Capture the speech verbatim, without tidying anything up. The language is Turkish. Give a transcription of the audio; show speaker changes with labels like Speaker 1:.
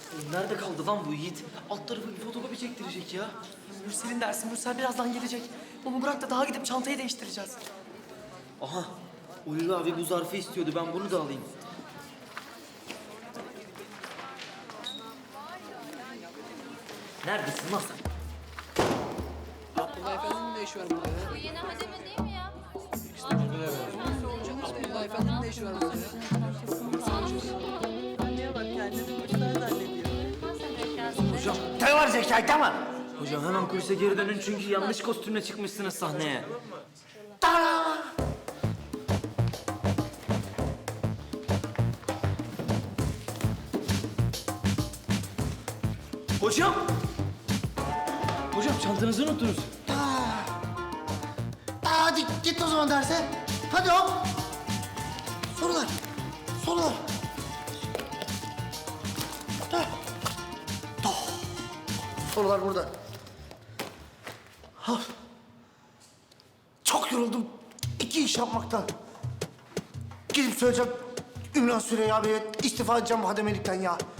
Speaker 1: Nerede kaldı lan bu Yiğit? Alt tarafı bir fotokopi çektirecek ya.
Speaker 2: Mürsel'in dersi. Mürsel birazdan gelecek. Onu bırak da daha gidip çantayı değiştireceğiz.
Speaker 1: Aha, Ulvi abi bu zarfı istiyordu. Ben bunu da alayım. Neredesin lan sen?
Speaker 3: Abdullah Efendi'nin ne işi var burada ya?
Speaker 4: Bu yeni hademe değil mi ya?
Speaker 3: Abdullah Efendi'nin ne işi var burada ya?
Speaker 2: Anneye bak kendini boşuna zannediyor.
Speaker 1: Hocam,
Speaker 5: Ne var zeka değil mi?
Speaker 1: hocam hemen kulise geri dönün çünkü yanlış kostümle çıkmışsınız sahneye. Hocam! Hocam çantanızı unuttunuz.
Speaker 5: Aa, hadi git o zaman derse. Hadi hop. Sorular. Sorular. Heh. Oh. Sorular burada. Ha. Çok yoruldum. İki iş yapmaktan. Gidip söyleyeceğim Ümran Süreyya Bey'e istifa edeceğim bu hademelikten ya.